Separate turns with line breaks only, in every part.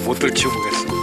못 들치고 보겠습니다.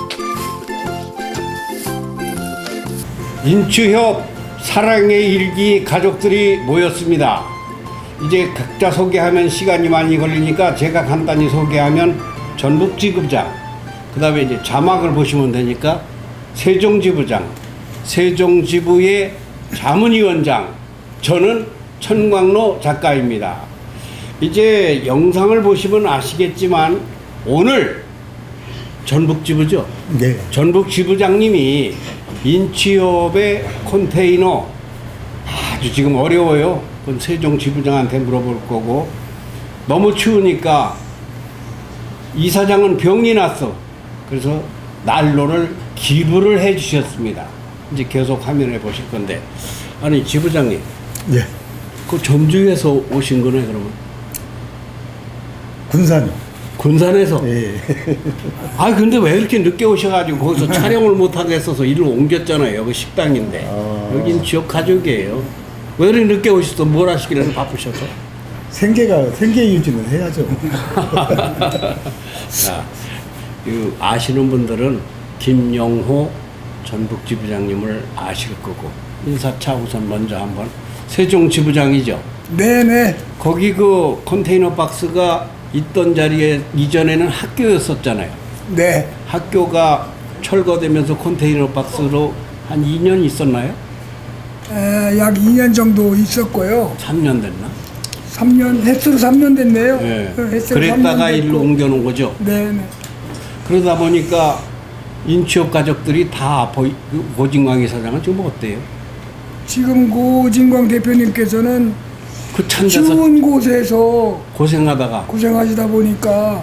인추협 사랑의 일기 가족들이 모였습니다. 이제 각자 소개하면 시간이 많이 걸리니까 제가 간단히 소개하면 전북지부장, 그 다음에 이제 자막을 보시면 되니까 세종지부장, 세종지부의 자문위원장, 저는 천광로 작가입니다. 이제 영상을 보시면 아시겠지만 오늘 전북지부죠.
네.
전북지부장님이 인취업의 컨테이너 아주 지금 어려워요. 그건 세종지부장한테 물어볼 거고, 너무 추우니까 이사장은 병이 났어. 그래서 난로를 기부를 해 주셨습니다. 이제 계속 화면에 보실 건데, 아니 지부장님,
예.
그 전주에서 오신 거네 그러면?
군산이요.
군산에서?
예.
아 근데 왜 이렇게 늦게 오셔가지고 거기서 촬영을 못 하겠어서 일로 옮겼잖아요. 여기 식당인데. 여긴 지역 가족이에요. 왜 이렇게 늦게 오셨어? 뭘 하시길래 바쁘셔서?
생계 유지는 해야죠.
자, 아시는 분들은 김영호 전북지부장님을 아실 거고, 인사차 우선 먼저 한번. 세종지부장이죠?
네네.
거기 그 컨테이너 박스가 있던 자리에 이전에는 학교였었잖아요.
네.
학교가 철거되면서 컨테이너 박스로 한 2년 있었나요?
약 2년 정도 있었고요.
3년 됐나?
3년, 횟수로 3년 됐네요.
네.
횟수로
그랬다가
3년 됐고.
일로 옮겨놓은 거죠.
네네.
그러다 보니까 인취업 가족들이 다 고진광 이사장은 지금 어때요?
지금 고진광 대표님께서는
그 찬데서
추운 곳에서
고생하다가
고생하시다 보니까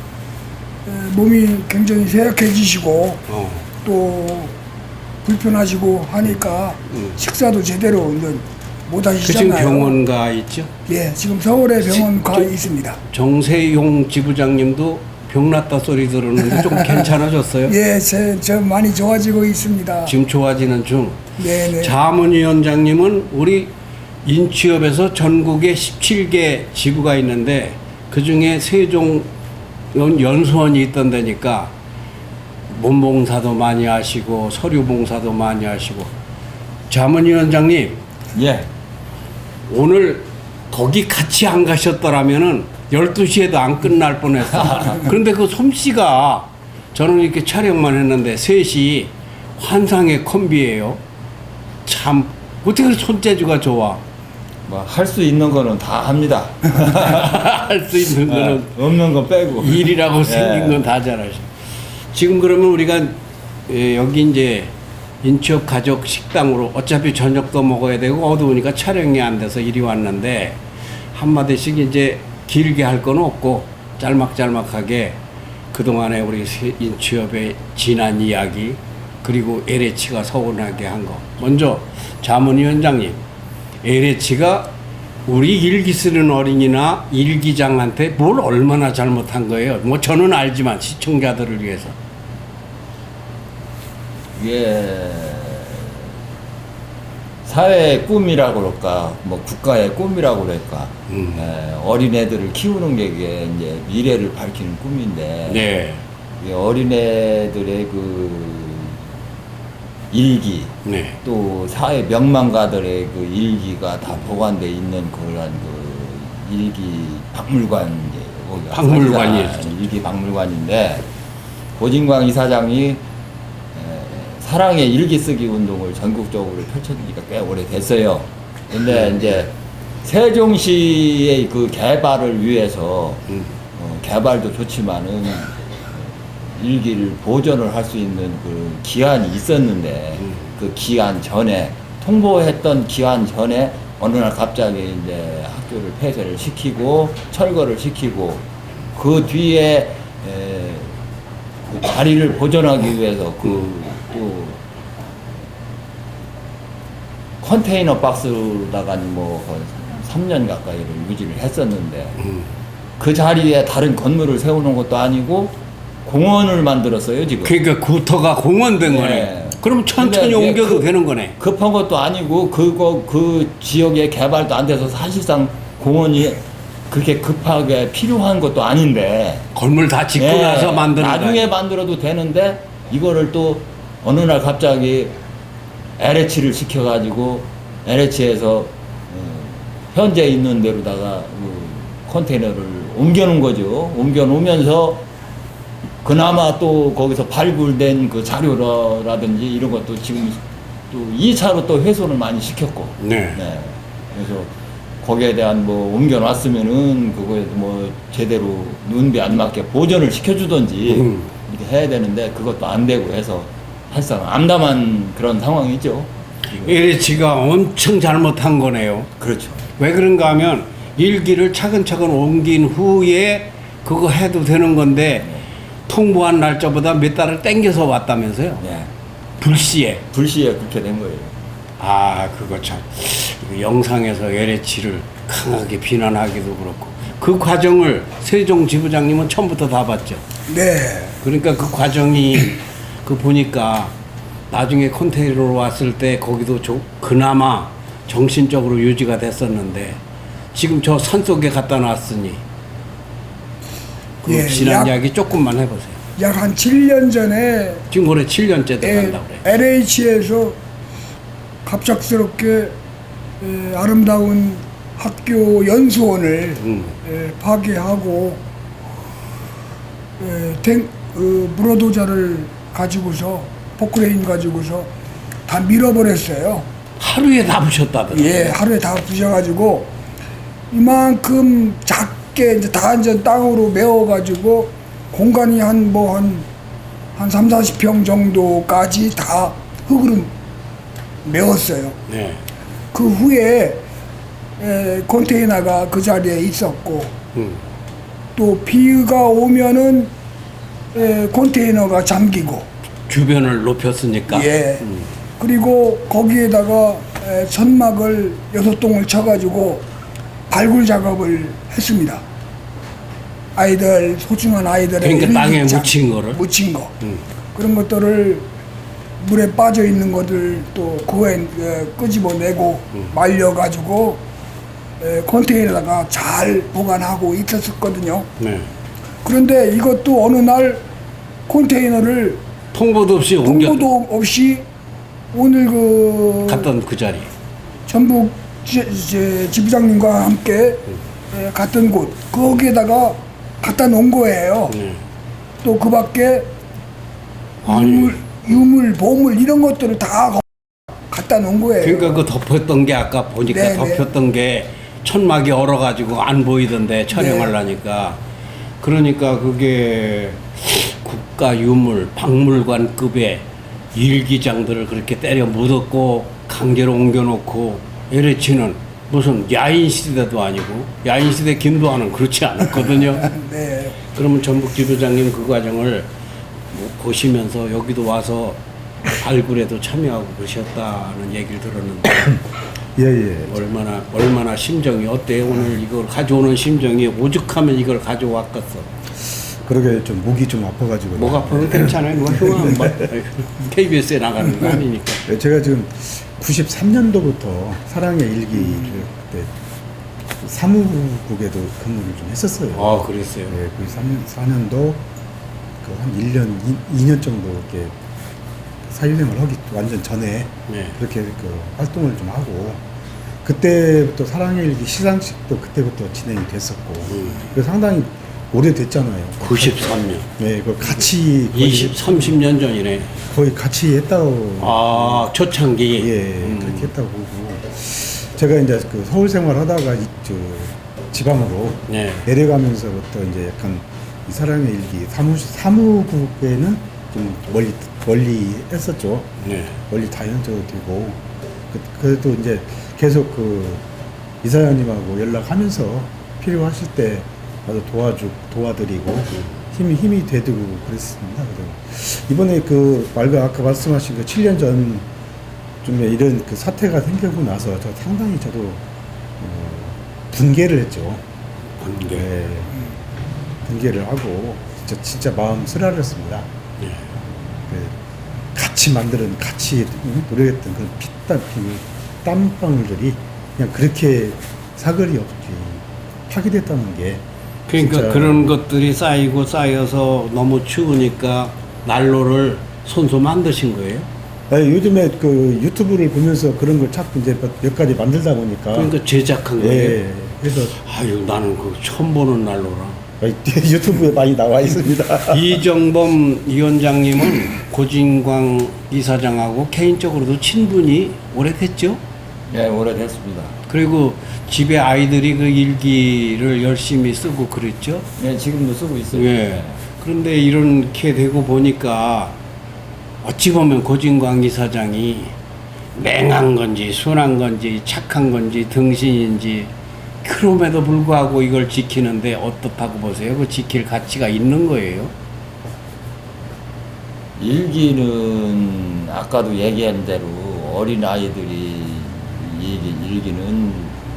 몸이 굉장히 쇠약해지시고 또 불편하시고 하니까 식사도 제대로 이제 못
그 지금
하시잖아요.
병원 가 있죠?
예, 지금 서울에 병원 가 있습니다.
정세용 지부장님도 병났다 소리 들었는데 좀 괜찮아졌어요?
예, 저 많이 좋아지고 있습니다.
지금 좋아지는 중.
네네.
자문위원장님은 우리 인취업에서 전국에 17개 지부가 있는데 그 중에 세종 연수원이 있던 데니까 몸봉사도 많이 하시고 서류봉사도 많이 하시고. 자문위원장님,
예.
오늘 거기 같이 안 가셨더라면은 12시에도 안 끝날 뻔했어. 그런데 그 솜씨가, 저는 이렇게 촬영만 했는데 셋이 환상의 콤비예요. 참 어떻게 손재주가 좋아.
뭐 할 수 있는 거는 다 합니다.
할 수 있는 거는
없는 건 빼고.
일이라고 생긴 건 다 잘하셔. 지금 그러면 우리가 여기 이제 인취업 가족 식당으로 어차피 저녁도 먹어야 되고 어두우니까 촬영이 안 돼서 이리 왔는데, 한마디씩 이제 길게 할 건 없고 짤막짤막하게 그동안에 우리 인취업의 지난 이야기, 그리고 LH가 서운하게 한 거. 먼저 자문위원장님, LH가 우리 일기 쓰는 어린이나 일기장한테 뭘 얼마나 잘못한 거예요? 뭐 저는 알지만 시청자들을 위해서.
이게 사회의 꿈이라고 그럴까, 뭐 국가의 꿈이라고 그럴까. 어린애들을 키우는 게 이게 이제 미래를 밝히는 꿈인데.
네.
이 어린애들의 그 일기,
네.
또 사회 명망가들의 그 일기가 다 보관돼 있는 그런 그 일기 박물관, 이제 거기가
박물관이에요.
일기 박물관인데, 고진광 이사장이 사랑의 일기 쓰기 운동을 전국적으로 펼쳐지기가 꽤 오래됐어요. 근데 이제 세종시의 그 개발을 위해서 개발도 좋지만은 일기를 보존을 할 수 있는 그 기한이 있었는데, 그 기한 전에 통보했던 기한 전에 어느 날 갑자기 이제 학교를 폐쇄를 시키고 철거를 시키고, 그 뒤에 그 자리를 보존하기 위해서 또 컨테이너 박스로다가 뭐 3년 가까이를 유지를 했었는데, 그 자리에 다른 건물을 세우는 것도 아니고 공원을 만들었어요 지금.
그러니까 구터가 공원 된
네.
거네. 그럼 천천히
근데
옮겨도 되는 거네.
급한 것도 아니고 그 지역의 개발도 안 돼서 사실상 공원이 그렇게 급하게 필요한 것도 아닌데
건물 다 짓고
예,
나서 만드는
나중에
거예요.
만들어도 되는데 이거를 또 어느 날 갑자기 LH를 시켜가지고 LH에서 현재 있는 데로다가 컨테이너를 옮겨놓은 거죠. 옮겨놓으면서 그나마 또 거기서 발굴된 그 자료라든지 이런 것도 지금 또 2차로 또 훼손을 많이 시켰고.
네.
그래서 거기에 대한 뭐 옮겨놨으면은 그거에 뭐 제대로 눈비 안 맞게 보존을 시켜주던지 이렇게 해야 되는데 그것도 안 되고 해서 사실상 암담한 그런 상황이죠. 지금.
LH가 엄청 잘못한 거네요.
그렇죠.
왜 그런가 하면 일기를 차근차근 옮긴 후에 그거 해도 되는 건데 통보한 날짜보다 몇 달을 땡겨서 왔다면서요.
네.
불시에.
불시에 그렇게 된 거예요.
아, 그거 참. 이거 영상에서 LH를 강하게 비난하기도 그렇고. 그 과정을 세종 지부장님은 처음부터 다 봤죠.
네.
그러니까 그 과정이 그 보니까 나중에 컨테이너로 왔을 때 거기도 그나마 정신적으로 유지가 됐었는데 지금 저 산속에 갖다 놨으니 그
예,
지난 이야기 조금만 해보세요.
약 한 7년 전에
지금 올해 7년째 돼간다고 그래.
LH에서 갑작스럽게 아름다운 학교 연수원을 파괴하고 물어도자를 가지고서 포크레인 가지고서 다 밀어버렸어요.
하루에 다 부셨다더라고요.
예, 하루에 다 부셔가지고 이만큼 작게 이제 다 이제 땅으로 메워가지고 공간이 한 3, 40평 정도까지 다 흙으로 메웠어요.
네.
그 후에 컨테이너가 그 자리에 있었고 또 비가 오면은 컨테이너가 잠기고
주변을 높였으니까.
예. 그리고 거기에다가 천막을 6동을 쳐가지고 발굴 작업을 했습니다. 아이들, 소중한 아이들의
그러니까 땅에
일기장,
묻힌 거를?
묻힌 거. 그런 것들을 물에 빠져 있는 것들 또 그거에 끄집어내고 말려가지고 컨테이너다가 잘 보관하고 있었거든요.
네.
그런데 이것도 어느 날 컨테이너를
통보도 없이 옮겨
통보도 없이 오늘
갔던 그 자리.
전북 지부장님과 함께 갔던 곳 거기에다가 갖다 놓은 거예요.
네.
또 그 밖에
아니.
유물, 보물 이런 것들을 다 갖다 놓은 거예요.
그러니까 그 덮였던 게 아까 보니까
네,
덮였던 게 천막이 얼어가지고 안 보이던데 촬영하려니까. 그러니까 그게 국가 유물, 박물관급의 일기장들을 그렇게 때려 묻었고 강제로 옮겨놓고 LH는 무슨 야인 시대도 아니고 야인 시대 김도환은 그렇지 않았거든요.
네.
그러면 전북 지부장님 그 과정을 뭐 보시면서 여기도 와서 발굴에도 참여하고 그러셨다는 얘기를 들었는데
예.
얼마나 심정이 어때요? 오늘 이걸 가져오는 심정이 오죽하면 이걸 가져왔겠어.
그러게 좀 목이 좀 아파가지고.
목 아파도 괜찮아요. 누가 흉한 뭐 KBS에 나가는 거 아니니까.
제가 지금 93년도부터 사랑의 일기를 그때 사무국에도 근무를 좀 했었어요.
아, 그랬어요.
예, 그 4년도 그 한 1년, 2년 정도 이렇게 사회생활 하기 완전 전에
네.
그렇게 그 활동을 좀 하고 그때부터 사랑의 일기 시상식도 그때부터 진행이 됐었고 그래서 상당히 오래됐잖아요.
93년.
네, 그 같이
30년 전이네.
거의 같이 했다고.
아, 초창기.
예, 그렇게 했다고 보고. 제가 이제 그 서울 생활 하다가 지방으로
네.
내려가면서부터 이제 약간 이 사랑의 일기 사무국에는 좀 멀리 했었죠.
네.
멀리 다녀도 되고. 그래도 이제 계속 그 이사장님하고 연락하면서 필요하실 때 가서 도와드리고 힘이 되고 그랬습니다. 그래서 이번에 그 아까 말씀하신 그 7년 전쯤에 이런 그 사태가 생기고 나서 저 상당히 저도 분개를 했죠.
관계.
네, 분개를 하고 진짜 마음 쓰라렸습니다.
네.
같이 노력했던 그 땀방울들이 그냥 그렇게 사거리 없이 파괴됐다는 게
그러니까
진짜
그런 것들이 쌓이고 쌓여서 너무 추우니까 난로를 손수 만드신 거예요?
아니, 요즘에 그 유튜브를 보면서 그런 걸 자꾸 이제 몇 가지 만들다 보니까
그러니까 제작한 거예요?
예, 그래서
아유 나는 그거 처음 보는 난로라.
유튜브에 많이 나와 있습니다.
이정범 위원장님은 고진광 이사장하고 개인적으로도 친분이 오래됐죠?
예, 오래됐습니다.
그리고 집에 아이들이 그 일기를 열심히 쓰고 그랬죠?
예, 지금도 쓰고 있어요.
예. 그런데 이렇게 되고 보니까 어찌 보면 고진광 이사장이 맹한 건지 순한 건지 착한 건지 등신인지 그럼에도 불구하고 이걸 지키는데 어떻다고 보세요? 그 지킬 가치가 있는 거예요?
일기는 아까도 얘기한 대로 어린 아이들이 일기는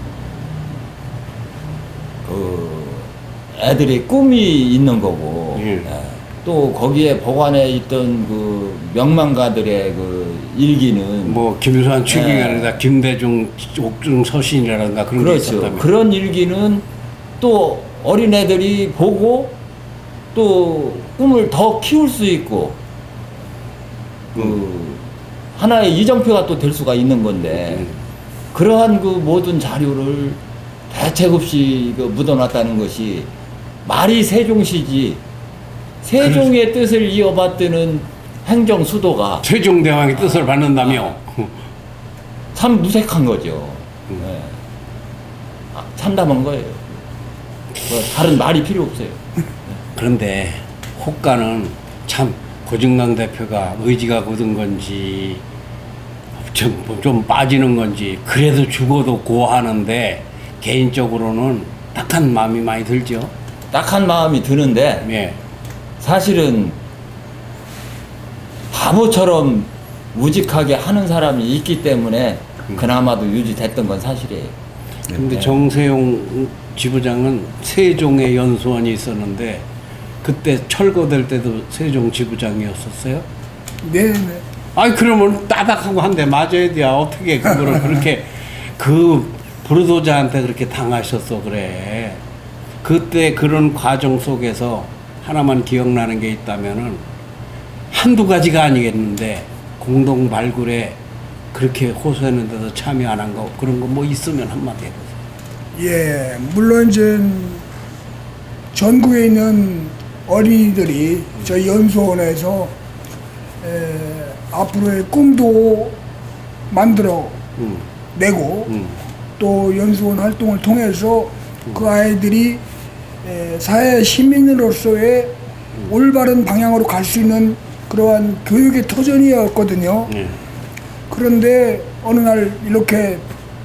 그 애들의 꿈이 있는 거고
예.
또 거기에 보관해 있던 그 명망가들의 그 일기는
뭐 김수환 추기라든가 김대중 옥중 서신이라든가 그런 게
그렇죠.
있었다면
그런 일기는 또 어린 애들이 보고 또 꿈을 더 키울 수 있고 그 하나의 이정표가 또 될 수가 있는 건데 그러한 그 모든 자료를 대책 없이 그 묻어놨다는 것이 말이 세종시지 세종의 뜻을 이어받드는 행정 수도가
세종대왕의 뜻을 받는다며
참 무색한 거죠. 예. 참담한 거예요. 뭐 다른 말이 필요 없어요.
그런데 호가는 참 고진강 대표가 의지가 굳은 건지 좀 빠지는 건지 그래도 죽어도 고하는데 개인적으로는 딱한 마음이 많이 들죠.
딱한 마음이 드는데
예.
사실은 바보처럼 우직하게 하는 사람이 있기 때문에 그나마도 유지됐던 건 사실이에요.
근데
네.
정세용 지부장은 세종의 연수원이 있었는데 그때 철거될 때도 세종 지부장이었었어요?
네네.
아니 그러면 따닥하고 한 대 맞아야 돼. 어떻게 그거를 그렇게 그 부르도자한테 그렇게 당하셨어 그래. 그때 그런 과정 속에서 하나만 기억나는 게 있다면은 한두 가지가 아니겠는데 공동 발굴에 그렇게 호소했는데도 참여 안 한 거 그런 거 뭐 있으면 한마디 해보세요.
예, 물론 이제 전국에 있는 어린이들이 저희 연수원에서 앞으로의 꿈도 만들어 내고 또 연수원 활동을 통해서 그 아이들이 사회 시민으로서의 올바른 방향으로 갈 수 있는 그러한 교육의 터전이었거든요. 그런데 어느 날 이렇게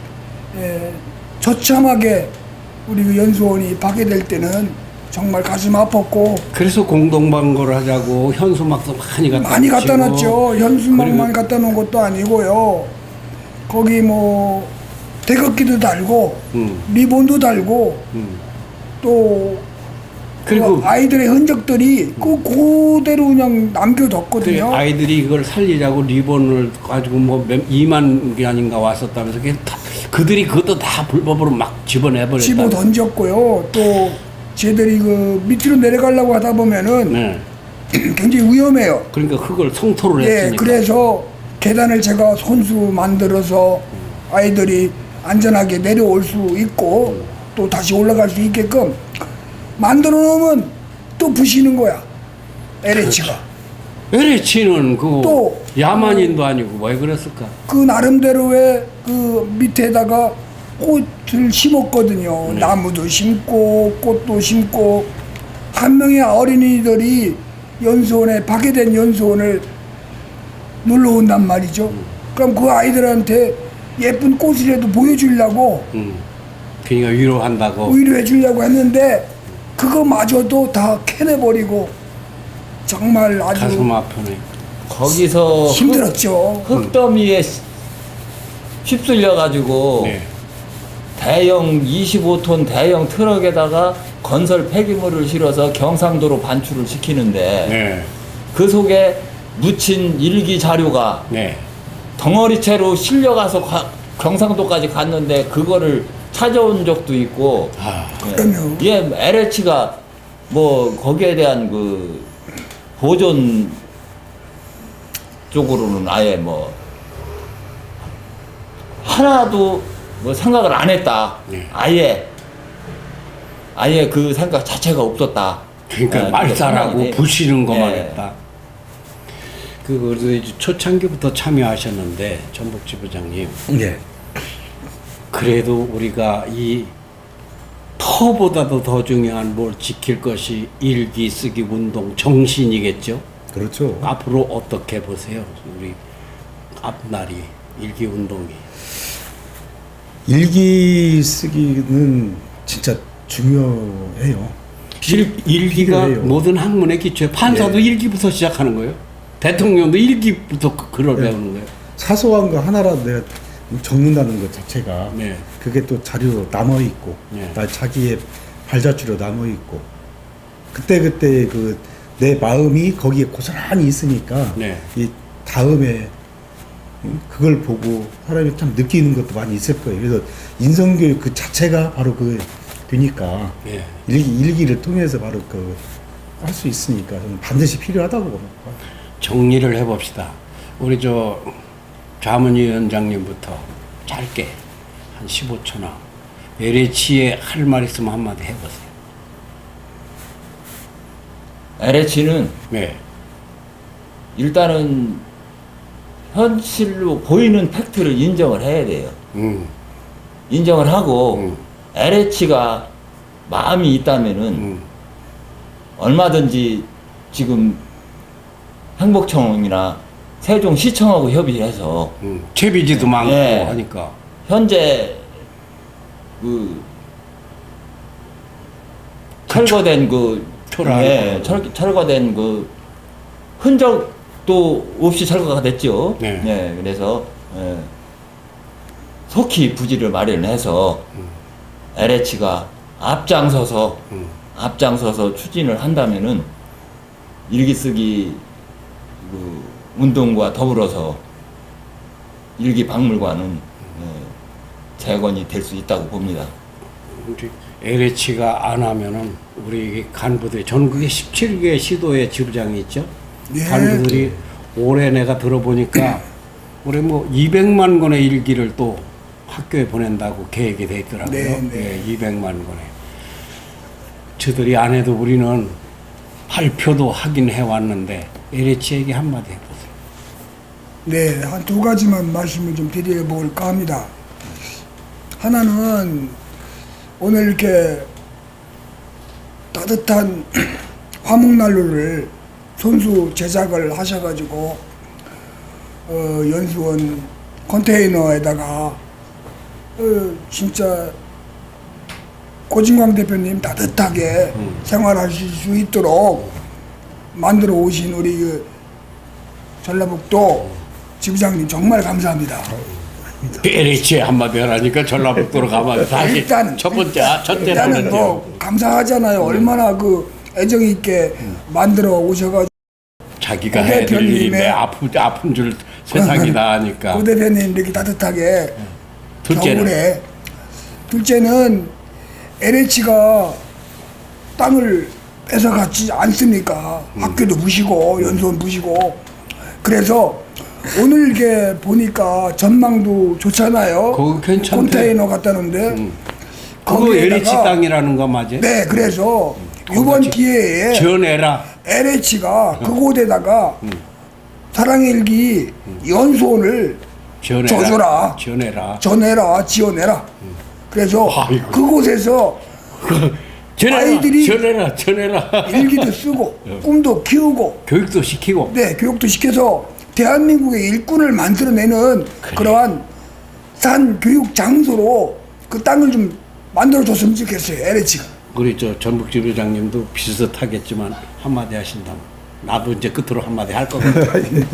처참하게 우리 그 연수원이 파괴될 때는 정말 가슴 아팠고
그래서 공동방거를 하자고 현수막도 많이 갖다
놨죠. 현수막만
그리고
갖다 놓은 것도 아니고요. 거기 뭐 태극기도 달고 리본도 달고 또
그리고
그 아이들의 흔적들이 그대로 그냥 남겨뒀거든요.
아이들이 그걸 살리자고 리본을 가지고 뭐 2만 개인가 왔었다면서 그들이 그것도 다 불법으로 막 집어내버렸다.
집어 던졌고요. 또 쟤들이 그 밑으로 내려가려고 하다 보면은
네.
굉장히 위험해요.
그러니까 그걸 성토를
예,
했으니까.
그래서 계단을 제가 손수 만들어서 아이들이 안전하게 내려올 수 있고 또 다시 올라갈 수 있게끔 만들어 놓으면 또 부시는 거야. LH가.
LH는 그
또
야만인도 아니고 왜 그랬을까?
그 나름대로의 그 밑에다가 꽃을 심었거든요. 나무도 심고 꽃도 심고 한 명의 어린이들이 연수원에 파괴된 연수원을 놀러 온단 말이죠. 그럼 그 아이들한테 예쁜 꽃이라도 보여주려고
그러니까 위로한다고.
위로해 주려고 했는데 그거마저도 다 캐내버리고 정말 아주
가슴 아프네.
거기서
힘들었죠.
흙더미에 휩쓸려 가지고
네.
대형 25톤 대형 트럭에다가 건설 폐기물을 실어서 경상도로 반출을 시키는데
네.
그 속에 묻힌 일기 자료가
네.
덩어리채로 실려가서 경상도까지 갔는데 그거를 찾아온 적도 있고.
아,
그럼요.
예, LH가 뭐 거기에 대한 그 보존 쪽으로는 아예 뭐 하나도 뭐 생각을 안 했다.
네.
아예 그 생각 자체가 없었다.
그러니까
예,
말살하고
그렇게
부시는 것만
예.
했다. 그래서 이제 초창기부터 참여하셨는데 전북지 부장님,
예.
그래도 우리가 이 터보다도 더 중요한 뭘 지킬 것이 일기 쓰기 운동 정신이겠죠.
그렇죠.
앞으로 어떻게 보세요? 우리 앞날이 일기 운동이.
일기 쓰기는 진짜 중요해요.
일기가
필요해요.
모든 학문의 기초에 판사도
예.
일기부터 시작하는 거예요. 대통령도 일기부터 글을
네.
배우는 거예요.
사소한 거 하나라도 내가 적는다는 것 자체가
네.
그게 또 자료로 남아 있고
네.
나 자기의 발자취로 남아 있고 그때 그 내 마음이 거기에 고스란히 있으니까
네.
이 다음에 그걸 보고 사람이 참 느끼는 것도 많이 있을 거예요. 그래서 인성교육 그 자체가 바로 그 되니까
예.
일기를 통해서 바로 그 할 수 있으니까 저는 반드시 필요하다고 봅니다.
정리를 해봅시다. 우리 저 자문위원장님부터 짧게 한 15초나 LH에 할 말 있으면 한마디 해보세요.
LH는
네.
일단은 현실로 보이는 팩트를 인정을 해야 돼요. 인정을 하고 LH가 마음이 있다면은 얼마든지 지금 행복청이나 세종시청하고 협의해서
채비지도 많고
예.
하니까.
현재 그 철거된 그
초라한
예, 철거된 그 흔적도 없이 철거가 됐죠.
네.
예, 그래서 예, 속히 부지를 마련해서 LH가 앞장서서 추진을 한다면은 일기 쓰기 그 운동과 더불어서 일기 박물관은 재건이 될 수 있다고 봅니다.
우리 LH가 안 하면은 우리 간부들이 전국에 17개 시도의 지부장이 있죠.
예.
간부들이 올해 내가 들어보니까 올해 뭐 200만 권의 일기를 또 학교에 보낸다고 계획이 돼 있더라고요.
네, 네.
예, 200만 권에. 저들이 안 해도 우리는 발표도 하긴 해왔는데 LH에게 한마디 해보세요.
네, 한 두 가지만 말씀을 좀 드려볼까 합니다. 하나는 오늘 이렇게 따뜻한 화목난로를 손수 제작을 하셔가지고 연수원 컨테이너에다가 진짜 고진광 대표님 따뜻하게 생활하실 수 있도록 만들어 오신 우리 그 전라북도 지부장님 정말 감사합니다.
LH에 한마디 하라니까 전라북도로 가면 다시
일단은
첫
일단은
대로는
뭐 감사하잖아요. 얼마나 그 애정 있게 만들어 오셔가지고
자기가
고
해야 될
대표님의
일인데 아픈 줄 세상이 다 하니까.
고 대표님 이렇게 따뜻하게
둘째는?
겨울에 둘째는 LH가 땅을 뺏어갔지 않습니까? 학교도 부시고 연수원 부시고 그래서 오늘 이게 보니까 전망도 좋잖아요.
그거 괜찮대.
컨테이너 갖다 놓는데
그거 LH 땅이라는 거 맞아요?
네, 그래서 이번 기회에
지어내라.
LH가 그곳에다가 사랑의 일기 연수원을
지어내라.
지어내라. 지어내라. 그래서
아이고.
그곳에서 아이들이
지어내라.
일기도 쓰고 꿈도 키우고
교육도 시키고.
네, 교육도 시켜서 대한민국의 일꾼을 만들어내는 그러한 산 교육 장소로 그 땅을 좀 만들어줬으면 좋겠어요, LH가.
우리 저 전북지부장님도 비슷하겠지만 한마디 하신다면 나도 이제 끝으로 한마디 할 거거든요.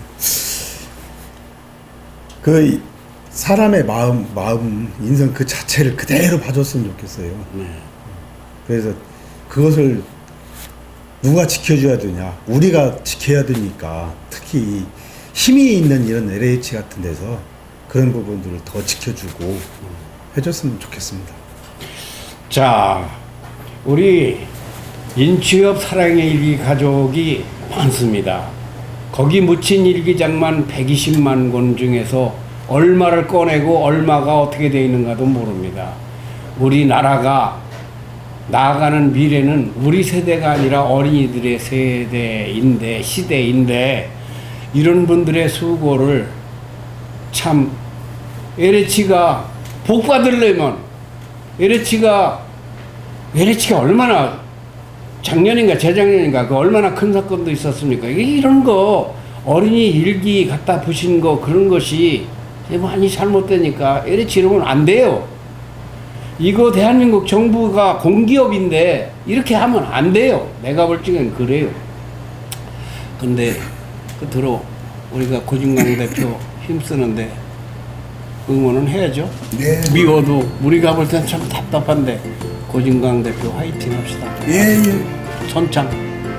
그 사람의 마음, 인성 그 자체를 그대로 봐줬으면 좋겠어요.
네.
그래서 그것을 누가 지켜줘야 되냐? 우리가 지켜야 되니까 특히 힘이 있는 이런 LH 같은 데서 그런 부분들을 더 지켜주고 해줬으면 좋겠습니다.
자, 우리 인취업 사랑의 일기 가족이 많습니다. 거기 묻힌 일기장만 120만 권 중에서 얼마를 꺼내고 얼마가 어떻게 되어 있는가도 모릅니다. 우리나라가 나아가는 미래는 우리 세대가 아니라 어린이들의 세대인데, 시대인데, 이런 분들의 수고를 참 LH가 복 받으려면 LH가 얼마나 작년인가 재작년인가 그 얼마나 큰 사건도 있었습니까? 이런 거 어린이 일기 갖다 부신 거 그런 것이 많이 잘못되니까 LH 이러면 안 돼요. 이거 대한민국 정부가 공기업인데 이렇게 하면 안 돼요. 내가 볼 적엔 그래요. 근데 끝으로 우리가 고진강 대표 힘쓰는데 응원은 해야죠.
네.
미워도 우리가 볼 땐 참 답답한데 고진강 대표 화이팅 합시다.
예, 예.
선창.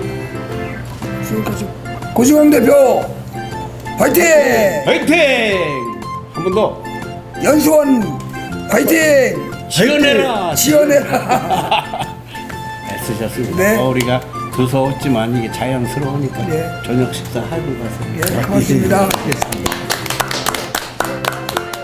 수고하셨 고진강 대표 화이팅!
화이팅! 한 번 더.
연수원 화이팅!
지원해라.
지원해라.
애쓰셨습니다.
네.
우리가 두서웠지만 이게 자연스러우니까
네.
저녁 식사 하고 가세요.
예, 고맙습니다.
알겠습니다.